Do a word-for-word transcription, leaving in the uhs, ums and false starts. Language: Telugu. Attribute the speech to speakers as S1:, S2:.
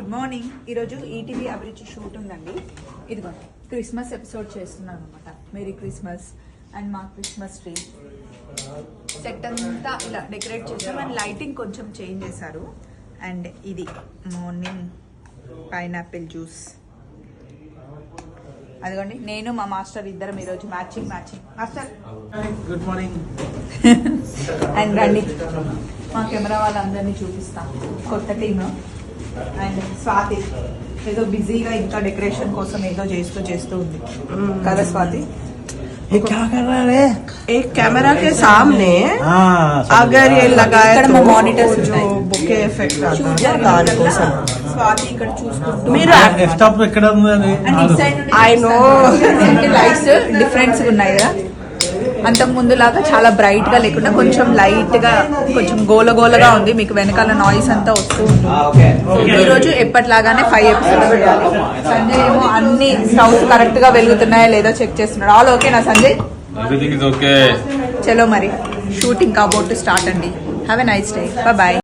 S1: Good morning. ఈరోజు ఈటీవీ అభిరుచి షూట్ ఉందండి. ఇదిగోండి క్రిస్మస్ ఎపిసోడ్ చేస్తున్నాను అనమాట. మేరీ క్రిస్మస్ అండ్ మా క్రిస్మస్ ట్రీ సెట్ అంతా ఇలా డెకరేట్ చేసాం అండ్ లైటింగ్ కొంచెం చేంజ్ చేశారు. అండ్ ఇది మార్నింగ్ పైనాపిల్ జ్యూస్. అదిగోండి నేను మా మాస్టర్ ఇద్దరం ఈరోజు matching matching master.
S2: Good morning.
S1: And రండి మా కెమెరా వాళ్ళందరినీ చూపిస్తాం. కొత్త టీమ్ అండ్ స్వాతి ఏదో బిజీగా ఇంకా డెకరేషన్ కోసం ఏదో చేస్తూ చేస్తూ ఉంది కదా స్వాతి.
S3: एक कैमरा के सामने अगर ये लगाया
S1: ఇక్కడ
S3: तो
S1: మా మానిటర్స్ ఉన్నాయి.
S3: बुके इफेक्ट
S1: షూట్
S3: आता है
S1: జరిగిన
S3: దాని కోసం.
S1: స్వాతి ఇక్కడ చూసుకుంటూ
S3: మీరు
S2: డెస్క్టాప్ ఎక్కడ ఉంది అది?
S1: అండ్ ఇటు సైడ్ నుండి
S3: I know.
S1: లైట్స్ డిఫరెన్స్ ఉన్నాయి కదా. అంతకు ముందు లాగా చాలా బ్రైట్ గా లేకుండా కొంచెం లైట్ గా కొంచెం గోలగోలగా ఉంది. మీకు వెనకాల నాయిస్ అంతా వస్తూ ఉంటుంది. ఈ రోజు ఎప్పటిలాగానే ఫైవ్ ఎపిసోడ్స్ చేయాలి. సంజయ్ ఏమో అన్ని స్టవ్స్ కరెక్ట్ గా వెలుగుతున్నాయా లేదా చెక్ చేస్తున్నాడు. ఆల్ ఓకేనా సంజయ్?
S2: Everything is okay.
S1: చలో మరి షూటింగ్ అబౌట్ టు స్టార్ట్ అండి. Have a nice day. Bye.